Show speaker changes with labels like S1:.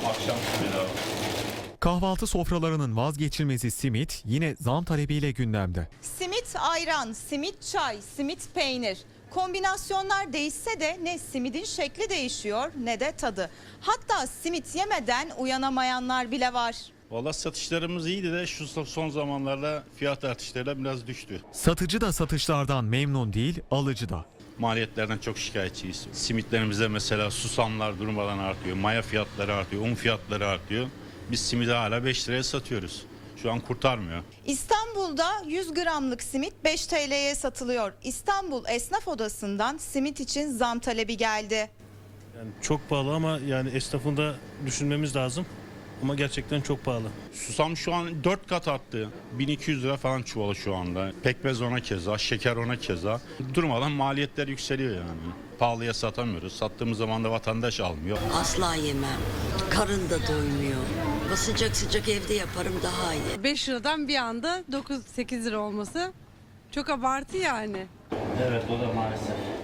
S1: Akşam bedava.
S2: Kahvaltı sofralarının vazgeçilmezi simit yine zam talebiyle gündemde.
S3: Simit ayran, simit çay, simit peynir. Kombinasyonlar değişse de ne simidin şekli değişiyor ne de tadı. Hatta simit yemeden uyanamayanlar bile var.
S1: Valla satışlarımız iyiydi de şu son zamanlarda fiyat artışlarıyla biraz düştü.
S2: Satıcı da satışlardan memnun değil, alıcı da.
S1: Maliyetlerden çok şikayetçiyiz. Simitlerimizde mesela susamlar durmadan artıyor, maya fiyatları artıyor, un fiyatları artıyor. Biz simidi hala 5 liraya satıyoruz. Şu an kurtarmıyor.
S3: İstanbul'da 100 gramlık simit 5 TL'ye satılıyor. İstanbul Esnaf Odası'ndan simit için zam talebi geldi.
S4: Yani çok pahalı ama yani esnafın da düşünmemiz lazım. Ama gerçekten çok pahalı.
S1: Susam şu an 4 kat arttı. 1200 lira falan çuvalı şu anda. Pekmez ona keza, şeker ona keza. Durmadan maliyetler yükseliyor yani. Pahalıya satamıyoruz. Sattığımız zaman da vatandaş almıyor.
S5: Asla yemem. Karın da doymuyor. Sıcak sıcak evde yaparım daha iyi.
S6: 5 liradan bir anda 9-8 lira olması çok abartı yani.
S1: Evet, o da maalesef.